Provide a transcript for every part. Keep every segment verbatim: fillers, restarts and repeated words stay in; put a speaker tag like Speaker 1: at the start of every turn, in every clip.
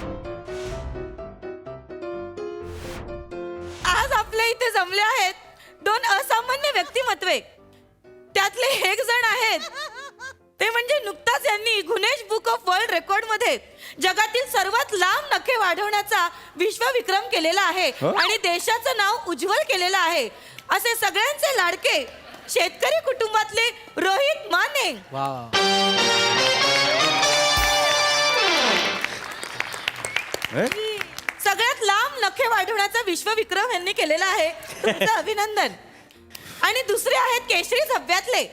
Speaker 1: आज आपल्या इथे जमले आहेत दोन असामान्य व्यक्तिमत्वे. त्यातले एक जण आहेत ते म्हणजे नुकताच यांनी Guinness book of world record मध्ये जगातील सर्वात लांब नखे वाढवण्याचा विश्वविक्रम केलेला आहे आणि देशाचं नाव उज्ज्वल केलेलं आहे. असे सगळ्यांचे लाडके शेतकरी कुटुंबातले रोहित माने. सगळ्यात लांब नखे वाढवण्याचा विश्वविक्रम यांनी केलेला आहे. तुमचं अभिनंदन. आणि दुसरे आहेत केशरी झब्ब्यातले.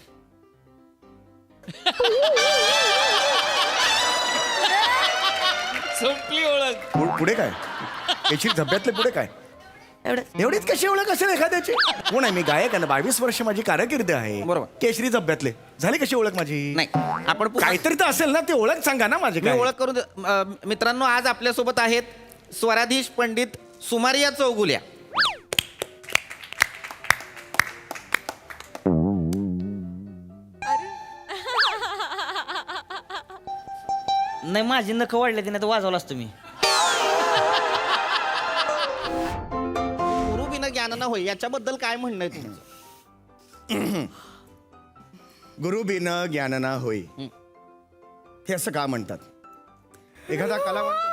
Speaker 2: संपली ओळख.
Speaker 3: पु- पुढे काय केशरी झब्ब्यातले पुढे काय
Speaker 1: एवढं
Speaker 3: एवढीच कशी ओळख असेल एखाद्याची. कोण आहे मी गायक आहे ना, बावीस वर्ष माझी कारकीर्द आहे.
Speaker 2: बरोबर.
Speaker 3: केशरी झब्ब्यातले झाली कशी ओळख माझी.
Speaker 2: नाही आपण पु-
Speaker 3: काहीतरी तर असेल ना, ते ओळख सांगा ना माझी.
Speaker 2: मी
Speaker 3: काय
Speaker 2: ओळख करून दे- अ, मित्रांनो, आज आपल्यासोबत आहेत स्वराधीश पंडित सुमारिया चौगुल्या.
Speaker 4: नाही माझी नख वाढले नाही तर वाजवलं असतं मी.
Speaker 2: गुरु बिना ज्ञान न होय, याच्याबद्दल काय म्हणणं आहे तुमचं?
Speaker 3: गुरु बिन ज्ञान ना होई, हे असं का म्हणतात? एखादा कलावंत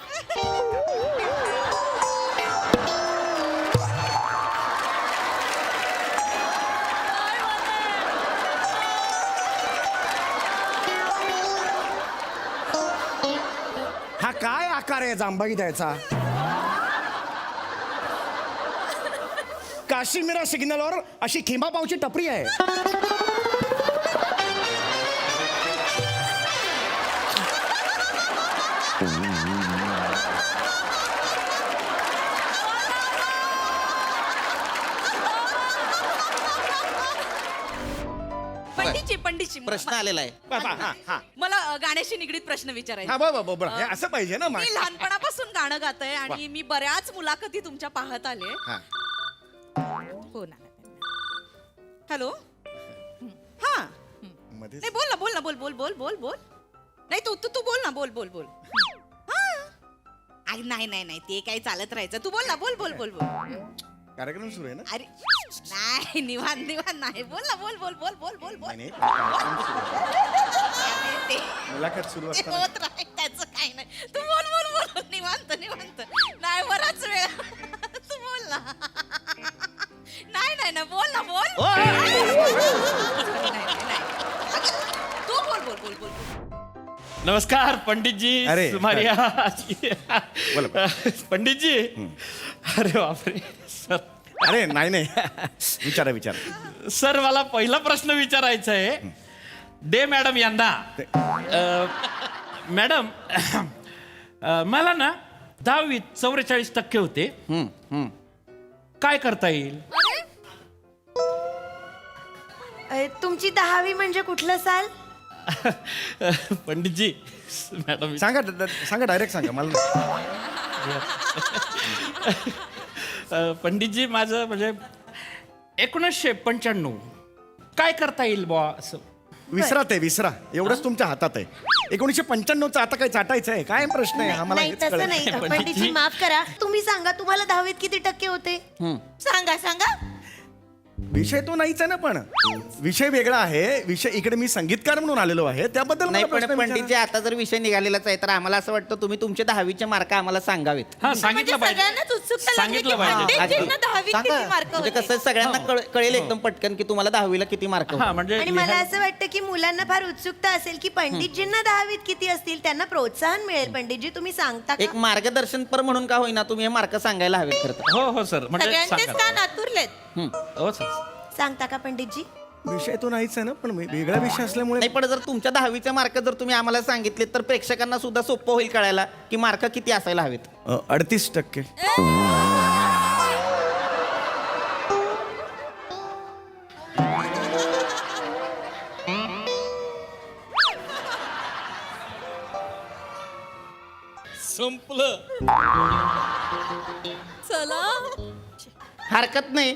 Speaker 3: हा काय आकार आहे जांभई द्यायचा? काश्मीरा सिग्नलवर अशी खिमा पावची टपरी आहे.
Speaker 1: पंडितजी पंडितजी
Speaker 2: प्रश्न आलेला आहे.
Speaker 3: हा, हा, हा.
Speaker 1: मला अ, गाण्याशी निगडीत प्रश्न विचारायचा.
Speaker 3: हा बरोबर बरोबर हे असं पाहिजे ना. मा-
Speaker 1: मी लहानपणापासून गाणं गातय आणि मी बऱ्याच मुलाखती तुमच्या पाहत आले.
Speaker 3: हा.
Speaker 1: हो ना. हॅलो. हा.
Speaker 3: मध्येच-
Speaker 1: नाही बोल ना बोल ना बोल बोल बोल बोल बोल. नाही तू तू तू बोल ना बोल बोल बोल. हा. आई नाही नाही नाही ते काही चालत राहायचं. तू बोल ना बोल बोल बोल बोल.
Speaker 3: कार्यक्रम सुरू आहे ना.
Speaker 1: अरे नाही निवांत निवांत नाही. बोल ना बोल बोल बोल बोल बोल बोल.
Speaker 3: नाही, नाही,
Speaker 1: अरे, ते
Speaker 3: मुलाखत सुरू
Speaker 1: ते
Speaker 3: असताना
Speaker 1: होत राहील त्याचं काही नाही. तू बोल बोल बोल निवांत निवांत. नाही बराच वेळ. तू बोल ना. नाही नाही ना बोल ना बोल. नाही, नाही, नाही. अगं, तू बोल बोल बोल बोल.
Speaker 5: नमस्कार पंडितजी.
Speaker 3: अरे,
Speaker 5: सुमारिया
Speaker 3: बोला.
Speaker 5: पंडितजी. अरे बापरे सर.
Speaker 3: अरे नाही नाही विचारा विचारा.
Speaker 5: सर मला पहिला प्रश्न विचारायचा आहे. डे मॅडम यांना अ, मॅडम अ, मला ना दहावीत चौवेचाळीस टक्के होते. काय करता येईल?
Speaker 6: अरे, तुमची दहावी म्हणजे कुठलं साल?
Speaker 5: पंडितजी मॅडम
Speaker 3: सांगा ड- ड- सांगा डायरेक्ट सांगा मला.
Speaker 5: अ, पंडितजी माझं म्हणजे एकोणीसशे पंच्याण्णव काय करता येईल बुवा असं.
Speaker 3: विसरा ते विसरा एवढंच तुमच्या हातात आहे. एकोणीसशे पंच्याण्णवचा आता काय चाटायचं आहे? काय प्रश्न आहे आम्हाला
Speaker 6: नाही
Speaker 3: हेच
Speaker 6: तसं
Speaker 3: कळत
Speaker 6: नाही.
Speaker 3: नाही.
Speaker 6: पंडितजी माफ करा. तुम्ही सांगा तुम्हाला दहावीत किती टक्के होते?
Speaker 1: सांगा सांगा.
Speaker 3: विषय तो नाहीच आहे ना, पण विषय वेगळा आहे. विषय इकडे मी संगीतकार म्हणून आलेलो आहे त्याबद्दल मला
Speaker 2: नाही पण
Speaker 3: प्रश्न
Speaker 2: पंडितजी
Speaker 3: विचारा.
Speaker 2: आता जर विषय निघालेलाच आहे तर आम्हाला असं वाटतं तुम्ही तुमचे दहावीचे मार्क आम्हाला सांगावेत.
Speaker 5: हा
Speaker 1: म्हणजे
Speaker 5: सांगितलं पाहिजे.
Speaker 1: सगळ्यांनाच उत्सुकता लागली की
Speaker 5: सांगितलं पाहिजे.
Speaker 1: पंडितजींना दहावीत
Speaker 2: सांगा.
Speaker 1: किती मार्क
Speaker 2: म्हणजे
Speaker 1: होते.
Speaker 2: कसं सगळ्यांना कळ- कळेल एकदम पटकन की तुम्हाला दहावीला किती मार्क
Speaker 5: हा म्हणजे
Speaker 6: आणि मला
Speaker 5: लिहायला-
Speaker 6: असं वाटतं की मुलांना फार उत्सुकता असेल की पंडितजींना दहावीत किती असतील, त्यांना प्रोत्साहन मिळेल. पंडितजी तुम्ही सांगता
Speaker 2: एक
Speaker 6: का?
Speaker 2: मार्गदर्शनपर म्हणून का होईना तुम्ही हे मार्क सांगायला हवेत खरं तर.
Speaker 5: हो हो सर म्हणजे
Speaker 1: सगळ्यांचेच
Speaker 5: सांगा.
Speaker 1: कान आतुरलेत.
Speaker 5: हो सर.
Speaker 6: सांगता का पंडितजी?
Speaker 3: विषय तो नाहीच आहे ना, पण वे- वेगळा विषय असल्यामुळे
Speaker 2: नाही पण जर तुमच्या दहावीचे मार्क जर तुम्ही आम्हाला सांगितले तर प्रेक्षकांना सुद्धा सोपं होईल कळायला की मार्क किती असायला हवेत.
Speaker 3: अ, अडतीस टक्के.
Speaker 5: संपलं.
Speaker 1: चला
Speaker 2: हरकत नाही.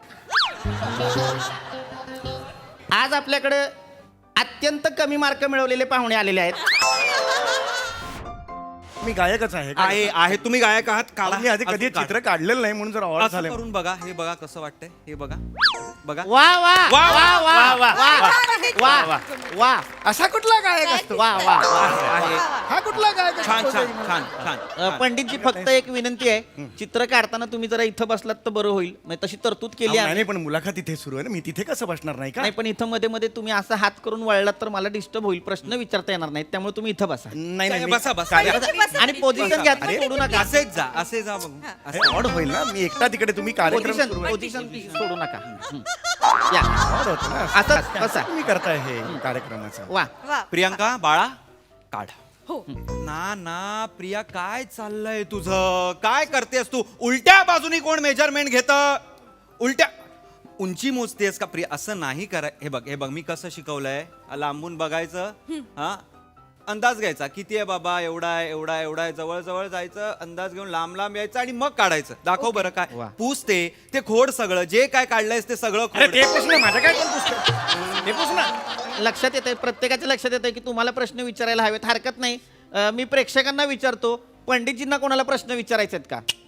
Speaker 2: आज आपल्याकडे अत्यंत कमी मार्क मिळवलेले पाहुणे आलेले आहेत.
Speaker 3: मी गायकच आहे काय?
Speaker 7: आहे आहे तुम्ही गायक आहात काढा
Speaker 3: मी आधी कधी
Speaker 7: अजून काढा.
Speaker 3: चित्र काढलेलं नाही म्हणून जर आवड
Speaker 7: असं
Speaker 3: झालं
Speaker 7: करून बघा हे बघा कसं वाटतंय हे बघा बघा
Speaker 2: वा वा
Speaker 7: वा,
Speaker 2: वा वा
Speaker 5: वा,
Speaker 2: वा वा वा
Speaker 3: असा कुठला गायक असतो
Speaker 2: वा वा
Speaker 7: आहे आहे
Speaker 3: हा कुठला गायक असतो?
Speaker 7: छान छान छान छान
Speaker 2: अ,
Speaker 7: छान.
Speaker 2: पंडितजी फक्त एक विनंती आहे चित्र काढताना तुम्ही जरा इथं बसलात तर बरं होईल म्हणजे तशी तरतूद केली
Speaker 3: अहो,
Speaker 2: आहे
Speaker 3: नाही नाही, पण मुलाखत इथे सुरू आहे ना मी तिथे कसं बसणार नाही का
Speaker 2: नाही पण इथं मध्ये मध्ये तुम्ही असा हात करून वळलात तर मला डिस्टर्ब होईल प्रश्न विचारता येणार नाहीत त्यामुळे तुम्ही इथं बसा
Speaker 3: नाही नाही मी-
Speaker 7: बसा बसा
Speaker 2: आणि पोझिशन घ्या
Speaker 7: अरे,
Speaker 2: सोडू नका
Speaker 7: असेच जा असे जा बघू
Speaker 3: अरे, ऑड होईल ना मी एकटा तिकडे तुम्ही कार्यक्रम
Speaker 2: पोझिशन
Speaker 3: सुरू आहे.
Speaker 2: पोझिशन सोडू नका हं. या
Speaker 3: ऑड होतं ना
Speaker 2: असंच बसा
Speaker 3: तुम्ही करताय हे कार्यक्रमाचं
Speaker 2: वा
Speaker 6: वा
Speaker 7: प्रियांका बाळा काढ ना ना प्रिया काय चाललंय तुझं काय करतेस तू उलट्या बाजूनी कोण मेजरमेंट घेत उलट्या उंची मोजतेस का प्रिया असं नाही कराय हे बघ हे बघ मी कसं शिकवलंय लांबून बघायचं हा अंदाज घ्यायचा किती आहे बाबा एवढा आहे एवढा आहे एवढा आहे जवळ जवळ जायचं अंदाज घेऊन लांब लांब यायचं आणि मग काढायचं दाखव बरं काय
Speaker 2: वा.
Speaker 7: पूस ते ते खोड सगळं जे काय काढलंयस ते सगळं
Speaker 3: अरे
Speaker 7: खोड
Speaker 3: ते पुसणं माझं काय कोण पुसतं? ते पुसणं
Speaker 2: लक्षात येत आहे प्रत्येकाच्या लक्षात येत आहे की तुम्हाला प्रश्न विचारायला हवेत हरकत नाही अं, मी प्रेक्षकांना विचारतो पंडितजींना कोणाला प्रश्न विचारायचे आहेत का